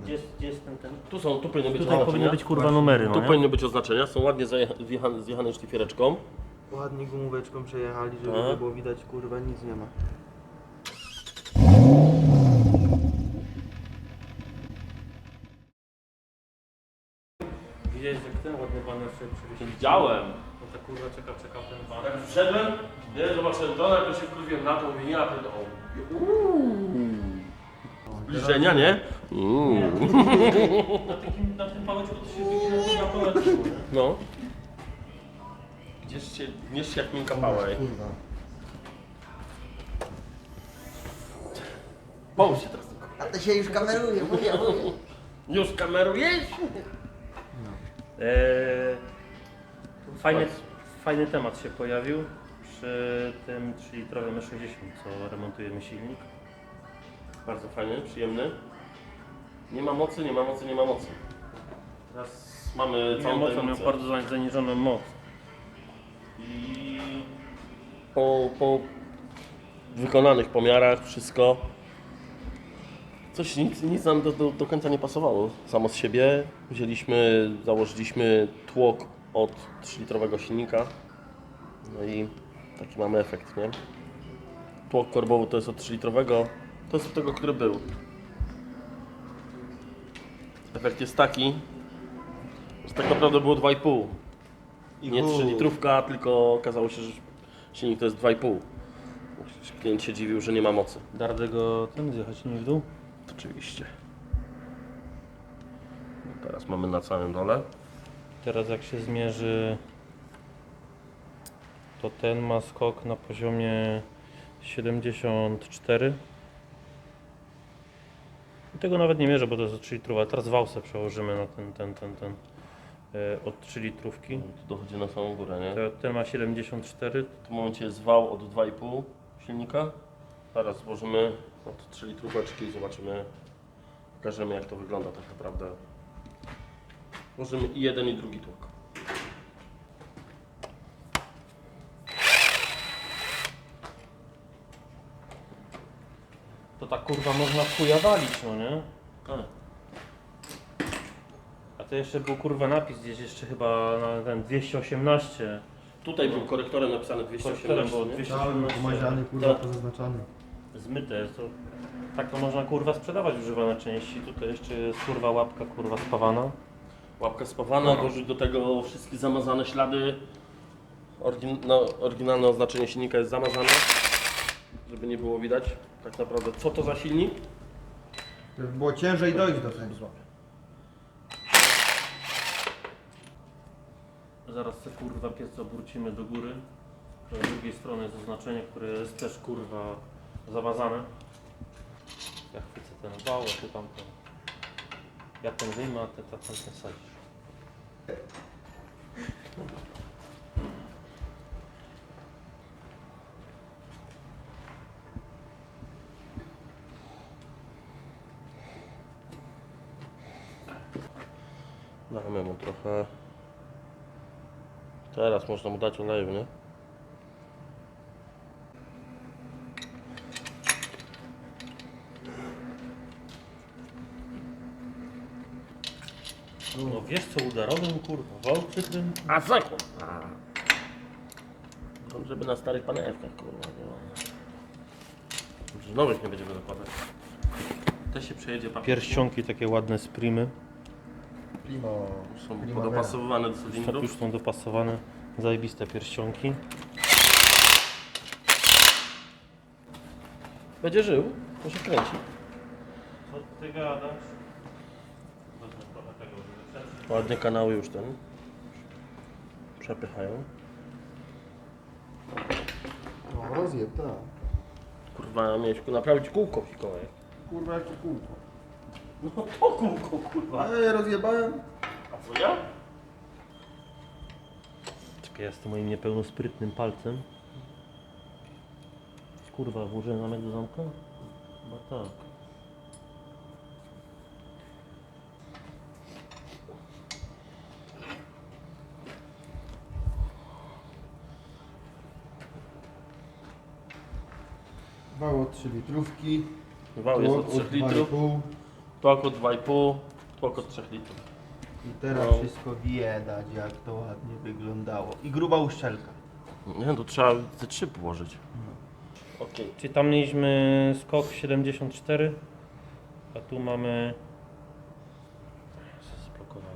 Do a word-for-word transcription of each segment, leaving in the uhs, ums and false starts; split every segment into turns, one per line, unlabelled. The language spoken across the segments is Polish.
Gdzie jest, gdzie jest ten, ten?
Tu są, tu powinny być
Tutaj powinny
oznaczenia.
być kurwa numery, no
Tu
nie?
powinny być oznaczenia, są ładnie zajecha- zjechane, zjechane szlifiereczką.
Ładnie gumóweczką przejechali, żeby
Tak.
nie było widać, kurwa, nic nie ma.
Widziałeś, jak ten ładny baner sobie przywiesił?
Widziałem.
No ta kurwa czeka, czeka ten baner.
Jak wszedłem, nie, zobaczyłem to, najpierw się wkurwiłem na to, mówię, ja pierdolę. Zbliżenia, nie? Uuu.
Na, takim, na tym pałeczku to się wygina na pałeczku, nie?
No. Gdzieś się, gdzieś się jak miękka pała, ej.
Kurwa.
Połóż się teraz.
A to się już kameruje, mówię, mówię.
Już kamerujesz?
Eee, fajny, fajny temat się pojawił przy tym trzylitrowym E sześćdziesiąt, co remontujemy silnik.
Bardzo fajny, przyjemny. Nie ma mocy, nie ma mocy, nie ma mocy. Teraz mamy
Całą
całą
mocą miał
tajemnicę.
bardzo zaniżoną moc.
I po, po wykonanych pomiarach wszystko. Coś, nic, nic nam do, do, do końca nie pasowało samo z siebie. Wzięliśmy, założyliśmy tłok od trzylitrowego silnika. No i taki mamy efekt, nie? Tłok korbowy to jest od trzylitrowego, to jest od tego, który był. Efekt jest taki, że tak naprawdę było dwa i pół. Nie trzy litrówka, tylko okazało się, że silnik to jest dwa i pół. Klient się dziwił, że nie ma mocy.
Dar tego ten zjechać nie w dół?
Oczywiście. No teraz mamy na całym dole.
Teraz jak się zmierzy, to ten ma skok na poziomie siedemdziesiąt cztery. I tego nawet nie mierzę, bo to jest od trzy litrów, ale teraz wałsę przełożymy na ten, ten, ten, ten e, od trzy litrówki.
Tu dochodzi na samą górę, nie?
To, ten ma siedemdziesiąt cztery.
W tym momencie jest wał od dwa i pół silnika. Zaraz złożymy od trzy litróweczki i zobaczymy, pokażemy jak to wygląda tak naprawdę. Włożymy i jeden i drugi tłok.
To tak kurwa można w chuja walić, no nie?
Tak.
A to jeszcze był kurwa napis gdzieś jeszcze chyba na ten dwieście osiemnaście.
Tutaj był korektorem napisane dwieście osiemnaście,
było
nie?
dwieście
Cały
osiemnaście.
pomaziany, kurwa,
Tak.
pozaznaczony.
Zmyte jest to. Tak to można kurwa sprzedawać używane części. Tutaj jeszcze jest kurwa łapka kurwa spawana.
Łapka spawana, dorzuć do tego wszystkie zamazane ślady. Orygin no, oryginalne oznaczenie silnika jest zamazane, żeby nie było widać tak naprawdę co to za silnik.
To było ciężej dojść do tego.
Zaraz te kurwa piec obrócimy do góry. Z drugiej strony jest oznaczenie, które jest też kurwa zamazane. Ja chwycę ten wał, a ty tamten. Ja ten wyjmę, a ty tam ten sadzisz.
Damy mu trochę. Teraz można mu dać oleju, nie?
No wiesz co udarowym kurwa, wał przykrym.
A sekund! Żeby na starych panewkach, kurwa, nie? Że nowych nie będziemy zakładać. Te się przejedzie papierem.
Pierścionki takie ładne z primy.
Primo.
Są
Primavera.
podopasowywane do
Już są,
cylindrów.
już są dopasowane, zajebiste pierścionki.
Będzie żył, to się kręci.
Co ty gadasz? Wezmę trochę tego, żeby przetrzeć.
Ładnie kanały już ten przepychają.
No, rozjeb, tak.
Kurwa, miałeś naprawić kółko, Mikołaj.
Kurwa, jakie kółko.
No to kółko, kurwa.
A ja rozjebałem.
A co ja?
Czekaj, ja z tym moim niepełnosprytnym palcem. Kurwa, włożyłem zamek do zamka? Chyba tak.
Wał od trzy litrówki.
Wał jest
tłok
od trzech litrów.
dwa i pół.
To około dwa i pół, to około trzy litry.
I teraz
No.
wszystko widać, jak to ładnie wyglądało. I gruba uszczelka.
Nie, to trzeba te trzy położyć. Okej.
Czyli tam mieliśmy skok siedemdziesiąt cztery, a tu mamy... Zablokowałem.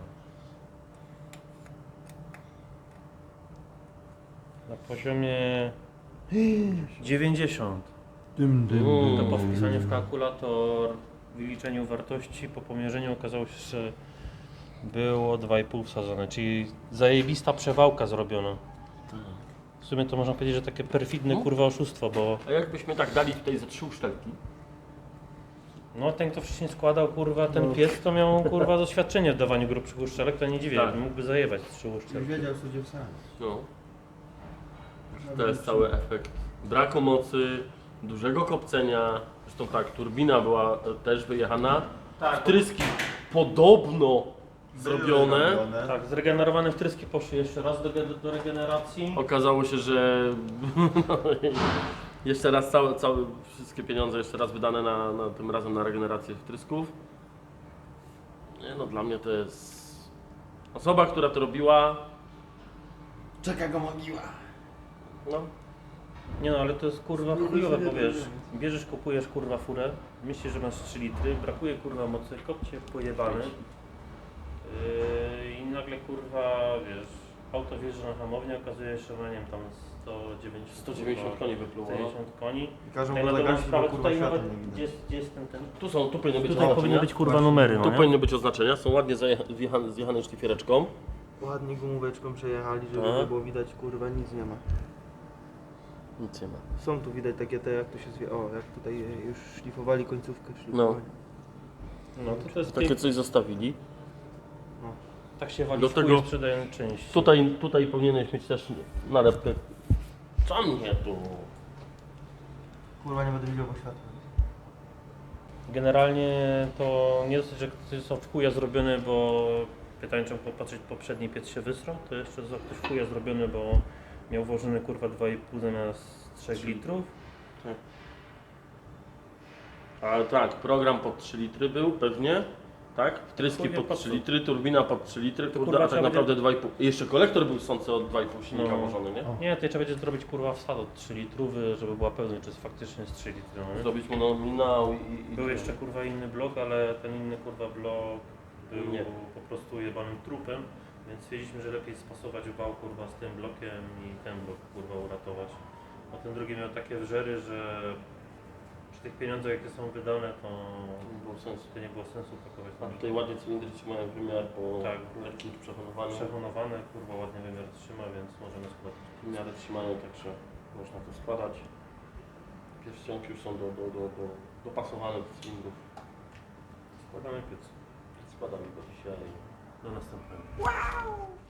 Na poziomie dziewięćdziesiąt.
Dym, dym,
Mm.
To po wpisaniu w kalkulator, wyliczeniu wartości, po pomierzeniu okazało się, że było dwa i pół wsadzone, czyli zajebista przewałka zrobiona. W sumie to można powiedzieć, że takie perfidne
No.
kurwa oszustwo, bo
A jakbyśmy tak dali tutaj ze trzy uszczelki?
no ten kto wcześniej składał kurwa ten pies, to miał kurwa doświadczenie w dawaniu grubszych uszczelek, to nie dziwię,
Tak.
mógłby zajebać trzy
Już
uszczelki.
wiedział, co gdzie wsadzić.
No. To jest cały efekt braku mocy, dużego kopcenia. Zresztą tak, turbina była e, też wyjechana.
Tak,
Wtryski podobno zrobione.
tak, zregenerowane wtryski poszły jeszcze raz do, ge- do regeneracji.
Okazało się, że jeszcze raz całe, całe, wszystkie pieniądze jeszcze raz wydane na, na tym razem na regenerację wtrysków. Nie no, dla mnie to jest osoba, która to robiła.
Czeka go mogiła.
No,
Nie no, ale to jest kurwa chujowe, bo wiesz, bierzesz, kupujesz kurwa furę, myślisz, że masz trzy litry, brakuje kurwa mocy, kopcie pojebany yy, i nagle kurwa, wiesz, auto wjeżdża na hamownię, okazuje się, że ma nie wiem, tam sto dziewięćdziesiąt,
sto dziewięćdziesiąt koni wypluło.
sto dziewięćdziesiąt koni.
I każą
Tak
go
na dobrą
zagasić, bo
sprawę,
kurwa
tutaj
światła
nawet,
nie widać.
gdzie jest, gdzie jest ten, ten...
tu są, tu powinny być
Tutaj powinny
oznaczenia.
być kurwa
Właśnie.
numery, no
Tu
nie?
powinny być oznaczenia, są ładnie zajecha- wjechane, zjechane szlifiereczką.
Ładnie gumóweczką przejechali, żeby
Tak.
nie było widać, kurwa, nic nie ma.
Nic nie ma.
Są tu widać takie te, jak to się zwie, o, jak tutaj e, już szlifowali końcówkę szlifowania.
No to, to jest
Takie
takie...
coś zostawili.
tak się wali
Do
w
tego-
chuj sprzedają części.
Tutaj, tutaj powinieneś mieć też nalepkę. Co mnie tu?
Kurwa, nie będę widział, bo światła.
Generalnie to nie dosyć, że ktoś są w chuja zrobione, bo pytanie, czy popatrzeć, poprzedni piec się wysrał, to jeszcze za ktoś w chuja zrobiony, bo miał włożony kurwa dwa i pół zamiast trzech litrów.
A tak, program pod trzy litry był pewnie. Tak? Wtryski
Chuj wie po
pod
co.
trzy litry, turbina pod trzy litry,
To
kurde,
kurwa
a tak
trzeba
naprawdę dwa i pół. I jeszcze kolektor był sący od dwa i pół silnika
No.
włożony, nie?
Nie, to trzeba będzie zrobić kurwa wsad od trzy litrowy, żeby była pewność, czy jest faktycznie z trzy litry. No, nie?
Zrobić mu nominał i... i
Był jeszcze kurwa inny blok, ale ten inny kurwa blok był
Nie.
po prostu jebanym trupem, więc stwierdziliśmy, że lepiej spasować wał kurwa z tym blokiem i ten blok kurwa uratować. A ten drugi miał takie wżery, że przy tych pieniądzach jakie są wydane, to
Nie było sensu.
to nie było sensu pakować.
A tutaj ładnie cylindry trzymają wymiar po
Tak.
lekkim przechowywaniu.
Przehonowane, kurwa ładnie wymiar trzyma, więc możemy składać.
W miarę trzymają, także można to składać. Pierścionki już są do, do, do, do, dopasowane do cylindrów.
Składamy piec.
Składamy go dzisiaj.
Do następnego.